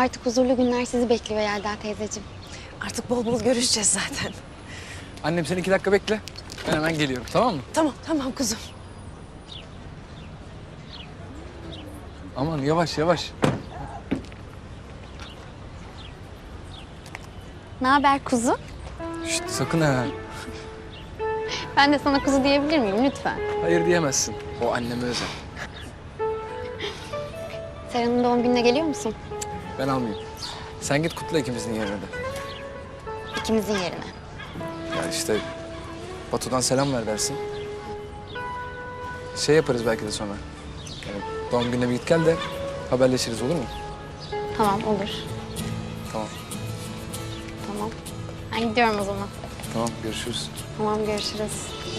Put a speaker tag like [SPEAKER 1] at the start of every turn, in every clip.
[SPEAKER 1] Artık huzurlu günler sizi bekliyor Yelda teyzeciğim.
[SPEAKER 2] Artık bol bol görüşeceğiz zaten.
[SPEAKER 3] Annem sen 2 dakika bekle. Ben hemen geliyorum, tamam mı?
[SPEAKER 2] Tamam, tamam kuzum.
[SPEAKER 3] Aman yavaş yavaş.
[SPEAKER 1] Ne haber kuzu?
[SPEAKER 3] Şişt, sakın ha.
[SPEAKER 1] Ben de sana kuzu diyebilir miyim lütfen?
[SPEAKER 3] Hayır diyemezsin. O anneme özel.
[SPEAKER 1] Serhan'ın doğum gününe geliyor musun?
[SPEAKER 3] Ben almayayım. Sen git kutla ikimizin yerine de.
[SPEAKER 1] İkimizin yerine.
[SPEAKER 3] Ya işte Batu'dan selam ver dersin. Şey yaparız belki de sonra. Yani doğum gününe bir git gel de haberleşiriz, olur mu?
[SPEAKER 1] Tamam olur.
[SPEAKER 3] Tamam.
[SPEAKER 1] Tamam. Ben gidiyorum o zaman.
[SPEAKER 3] Tamam, görüşürüz.
[SPEAKER 1] Tamam görüşürüz.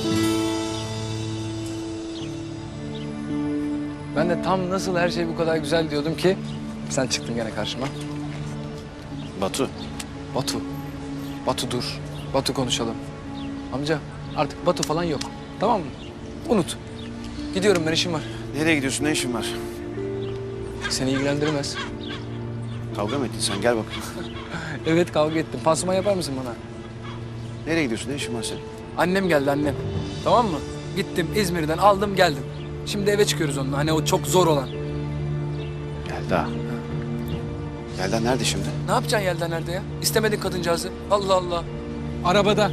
[SPEAKER 3] Ben de tam nasıl her şey bu kadar güzel diyordum ki sen çıktın gene karşıma.
[SPEAKER 4] Batu.
[SPEAKER 3] Batu. Batu dur. Batu konuşalım. Amca artık Batu falan yok. Tamam mı? Unut. Gidiyorum, ben işim var.
[SPEAKER 4] Nereye gidiyorsun? Ne işin var?
[SPEAKER 3] Seni ilgilendirmez.
[SPEAKER 4] Kavga mı ettin sen? Gel bakayım.
[SPEAKER 3] Evet, kavga ettim. Pansuman yapar mısın bana?
[SPEAKER 4] Nereye gidiyorsun? Ne işin var senin?
[SPEAKER 3] Annem geldi, annem. Tamam mı? Gittim İzmir'den aldım geldim. Şimdi eve çıkıyoruz onunla. Hani o çok zor olan.
[SPEAKER 4] Yelda. Yelda nerede şimdi?
[SPEAKER 3] Ne yapacaksın Yelda nerede ya? İstemedin kadıncağızı. Allah Allah. Arabada.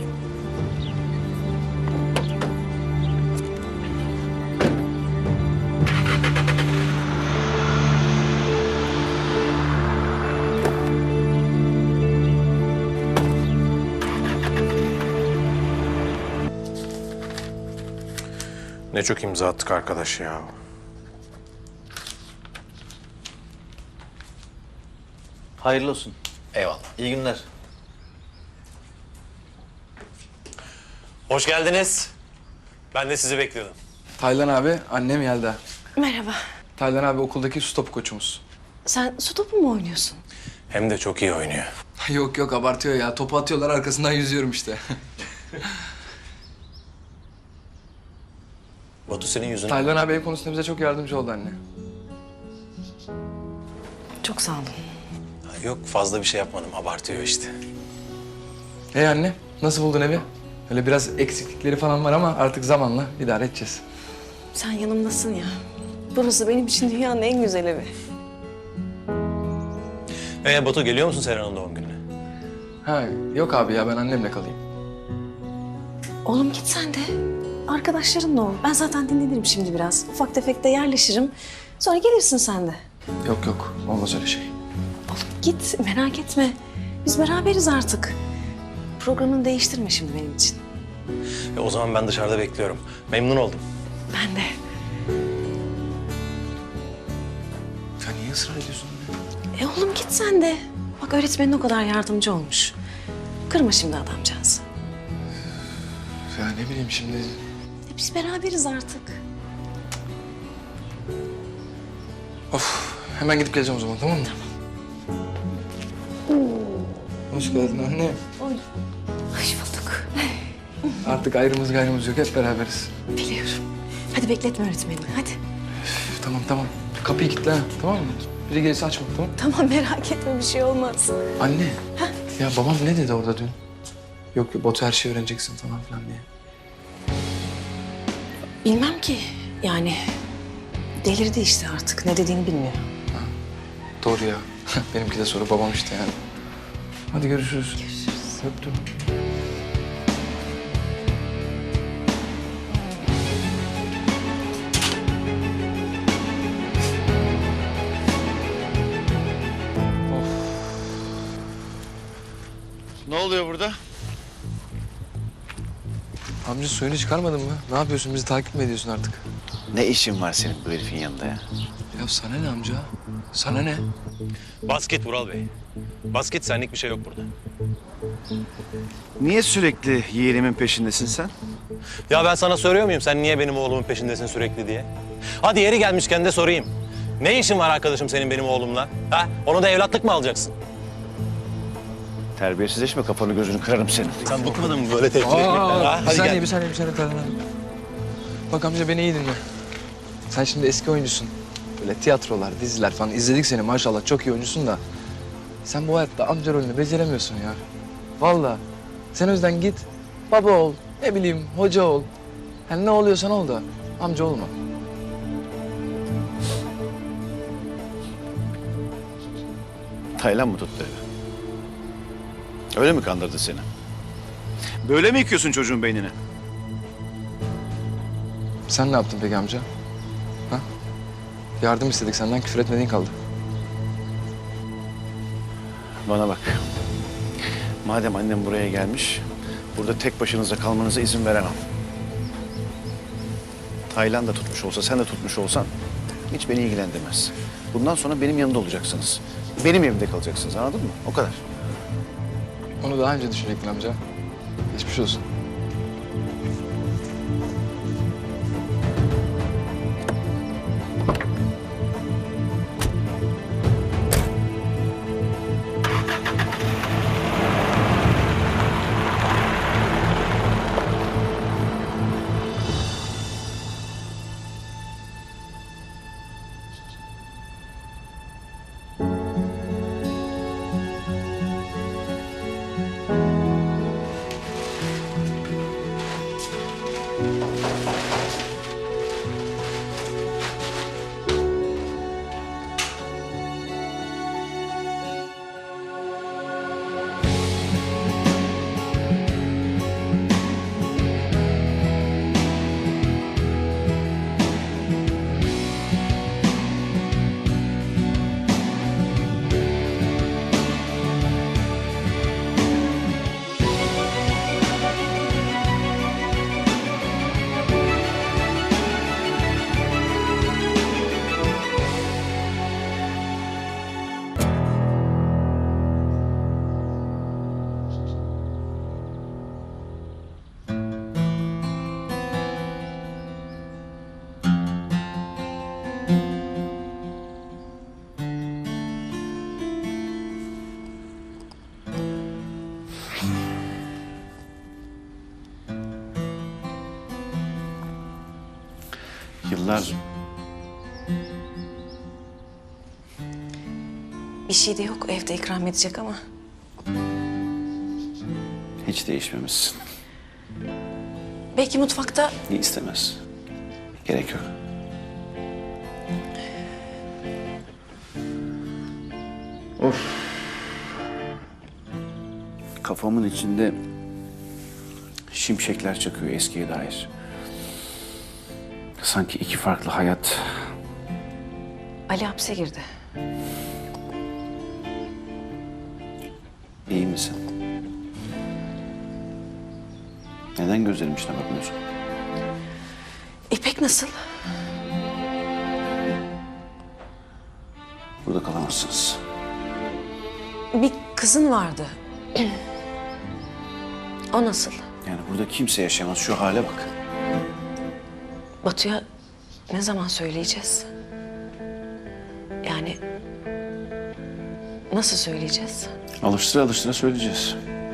[SPEAKER 5] Ne çok imza attık arkadaş ya.
[SPEAKER 6] Hayırlı olsun.
[SPEAKER 5] Eyvallah.
[SPEAKER 6] İyi günler.
[SPEAKER 5] Hoş geldiniz. Ben de sizi bekliyordum.
[SPEAKER 3] Taylan abi, annem Yelda.
[SPEAKER 2] Merhaba.
[SPEAKER 3] Taylan abi okuldaki su topu koçumuz.
[SPEAKER 2] Sen su topu mu oynuyorsun?
[SPEAKER 5] Hem de çok iyi oynuyor.
[SPEAKER 3] Yok yok, abartıyor ya. Topu atıyorlar, arkasından yüzüyorum işte.
[SPEAKER 5] Batu senin yüzüne...
[SPEAKER 3] Taylan abi ev konusunda bize çok yardımcı oldu anne.
[SPEAKER 2] Çok sağ olun.
[SPEAKER 5] Yok, fazla bir şey yapmadım. Abartıyor işte.
[SPEAKER 3] Hey anne, nasıl buldun evi? Öyle biraz eksiklikleri falan var ama artık zamanla idare edeceğiz.
[SPEAKER 2] Sen yanımdasın ya. Burası benim için dünyanın en güzel evi.
[SPEAKER 5] Batu geliyor musun Serhan'ın doğum gününe?
[SPEAKER 3] Ha yok abi ya, ben annemle kalayım.
[SPEAKER 2] Oğlum git sen de. Arkadaşlarınla ol. Ben zaten dinlenirim şimdi biraz. Ufak tefek de yerleşirim. Sonra gelirsin sen de.
[SPEAKER 3] Yok yok, olmaz öyle şey.
[SPEAKER 2] Oğlum git, merak etme. Biz beraberiz artık. Programını değiştirme şimdi benim için.
[SPEAKER 5] O zaman ben dışarıda bekliyorum. Memnun oldum.
[SPEAKER 2] Ben de.
[SPEAKER 3] Ya niye ısrar ediyorsun anne?
[SPEAKER 2] Oğlum git sen de. Bak öğretmenin o kadar yardımcı olmuş. Kırma şimdi adamcağızı.
[SPEAKER 3] Ya ne bileyim şimdi.
[SPEAKER 2] Biz beraberiz artık.
[SPEAKER 3] Of, hemen gidip geleceğim o zaman, tamam mı? Hoş geldin anne.
[SPEAKER 2] Oy. Hoş bulduk.
[SPEAKER 3] Artık ayrımız gayrımız yok, hep beraberiz.
[SPEAKER 2] Biliyorum. Hadi bekletme öğretmenini, hadi.
[SPEAKER 3] Üf, tamam tamam. Kapıyı kilitle ha, tamam mı? Biri gelirse açma, tamam mı?
[SPEAKER 2] Tamam merak etme bir şey olmaz.
[SPEAKER 3] Anne. Ya babam ne dedi orada dün? Yok yok, Batu her şeyi öğreneceksin falan filan diye.
[SPEAKER 2] Bilmem ki yani delirdi işte artık ne dediğini bilmiyor.
[SPEAKER 3] Doğru ya. Benimki de soru babam işte yani. Hadi görüşürüz. Görüşürüz. Öptüm.
[SPEAKER 4] Ne oluyor burada?
[SPEAKER 3] Amca suyunu çıkarmadın mı? Ne yapıyorsun? Bizi takip mi ediyorsun artık?
[SPEAKER 4] Ne işin var senin bu herifin yanında ya?
[SPEAKER 3] Ya sana ne amca? Sana ne?
[SPEAKER 5] Basket Vural Bey. Basket, senlik bir şey yok burada.
[SPEAKER 4] Niye sürekli yeğenimin peşindesin sen?
[SPEAKER 5] Ya ben sana soruyor muyum sen niye benim oğlumun peşindesin sürekli diye? Hadi yeri gelmişken de sorayım. Ne işin var arkadaşım senin benim oğlumla? Ha? Onu da evlatlık mı alacaksın?
[SPEAKER 4] Terbiyesizleşme, kafanı gözünü kırarım senin.
[SPEAKER 5] Sen bıkmadın mı böyle tehdit etmekten? Ha?
[SPEAKER 3] Bir
[SPEAKER 5] Hadi
[SPEAKER 3] saniye,
[SPEAKER 5] gel.
[SPEAKER 3] bir saniye, bir saniye Taylan abi. Bak amca, beni iyi dinle. Sen şimdi eski oyuncusun. Böyle tiyatrolar, diziler falan izledik seni, maşallah çok iyi oyuncusun da. sen bu hayatta amca rolünü beceremiyorsun ya. Vallahi. Sen o yüzden git, baba ol, ne bileyim hoca ol. Yani ne oluyorsan ol da amca olma.
[SPEAKER 4] Taylan mı tuttu evi? Öyle mi kandırdı seni? Böyle mi yıkıyorsun çocuğun beynini?
[SPEAKER 3] Sen ne yaptın peki amca? Ha? Yardım istedik senden, küfür etmediğin kaldı.
[SPEAKER 4] Bana bak. Madem annem buraya gelmiş, burada tek başınıza kalmanıza izin veremem. Taylan da tutmuş olsa, sen de tutmuş olsan hiç beni ilgilendirmez. Bundan sonra benim yanımda olacaksınız. Benim evimde kalacaksınız, anladın mı? O kadar.
[SPEAKER 3] Onu daha önce düşünecektin amca. Geçmiş olsun.
[SPEAKER 4] Yıllar
[SPEAKER 2] Bir şey de yok evde ikram edecek ama.
[SPEAKER 4] hiç değişmemişsin.
[SPEAKER 2] Belki mutfakta
[SPEAKER 4] İyi istemez. Gerek yok. Of. Kafamın içinde şimşekler çakıyor eskiye dair. Sanki iki farklı hayat.
[SPEAKER 2] Ali hapse girdi.
[SPEAKER 4] İyi misin? Neden gözlerim içine bakmıyorsun?
[SPEAKER 2] İpek nasıl?
[SPEAKER 4] Burada kalamazsınız.
[SPEAKER 2] Bir kızın vardı. O nasıl?
[SPEAKER 4] Yani burada kimse yaşayamaz. Şu hale bak.
[SPEAKER 2] Batu'ya ne zaman söyleyeceğiz? Yani nasıl söyleyeceğiz?
[SPEAKER 4] Alıştıra alıştıra söyleyeceğiz.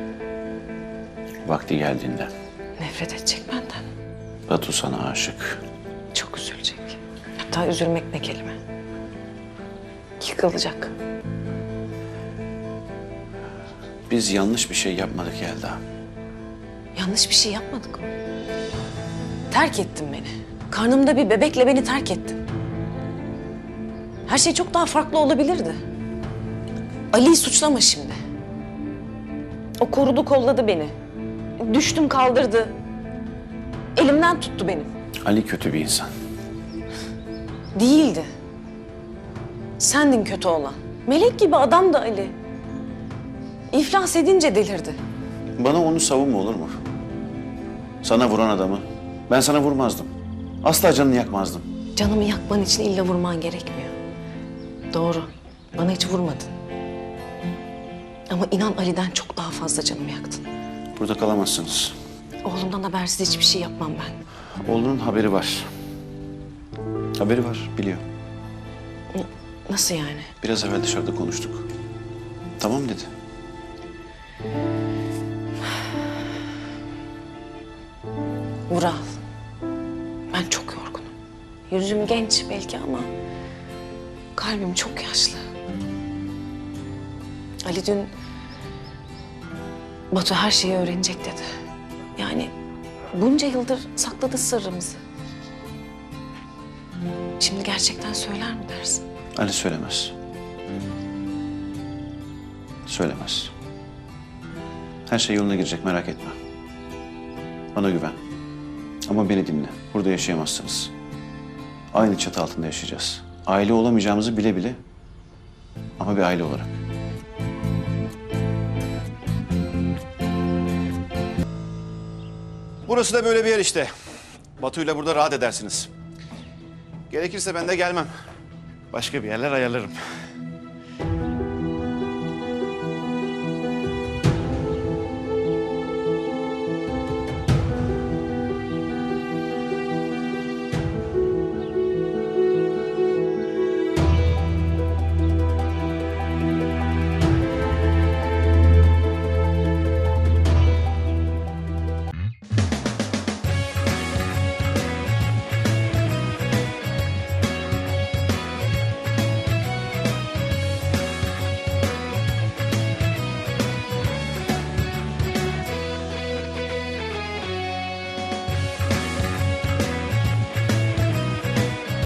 [SPEAKER 4] Vakti geldiğinde.
[SPEAKER 2] Nefret edecek benden.
[SPEAKER 4] Batu sana aşık.
[SPEAKER 2] Çok üzülecek. Hatta üzülmek ne kelime. Yıkılacak.
[SPEAKER 4] Biz yanlış bir şey yapmadık Yelda.
[SPEAKER 2] Yanlış bir şey yapmadık mı? Terk ettin beni. Karnımda bir bebekle beni terk ettin. Her şey çok daha farklı olabilirdi. Ali'yi suçlama şimdi. O korudu kolladı beni. Düştüm kaldırdı. Elimden tuttu benim.
[SPEAKER 4] Ali kötü bir insan.
[SPEAKER 2] Değildi. Sendin kötü olan. Melek gibi adam da Ali. İflas edince delirdi.
[SPEAKER 4] Bana onu savunma olur mu? Sana vuran adamı ben sana vurmazdım. Asla canını yakmazdım.
[SPEAKER 2] Canımı yakman için illa vurman gerekmiyor. Doğru. Bana hiç vurmadın. Ama inan Ali'den çok daha fazla canımı yaktın.
[SPEAKER 4] Burada kalamazsınız.
[SPEAKER 2] Oğlumdan habersiz hiçbir şey yapmam ben.
[SPEAKER 4] Oğlunun haberi var. Haberi var, biliyor.
[SPEAKER 2] Nasıl yani?
[SPEAKER 4] Biraz evvel dışarıda konuştuk. Tamam dedi.
[SPEAKER 2] Vural, ben çok yorgunum. Yüzüm genç belki ama kalbim çok yaşlı. Ali dün Batu her şeyi öğrenecek dedi. Yani bunca yıldır sakladı sırrımızı. Şimdi gerçekten söyler mi dersin?
[SPEAKER 4] Ali söylemez. Söylemez. Her şey yoluna girecek, merak etme. Bana güven. Ama beni dinle. Burada yaşayamazsınız. Aynı çatı altında yaşayacağız. Aile olamayacağımızı bile bile ama bir aile olarak. Burası da böyle bir yer işte. Batu'yla burada rahat edersiniz. Gerekirse ben de gelmem. Başka bir yerler ayarlarım.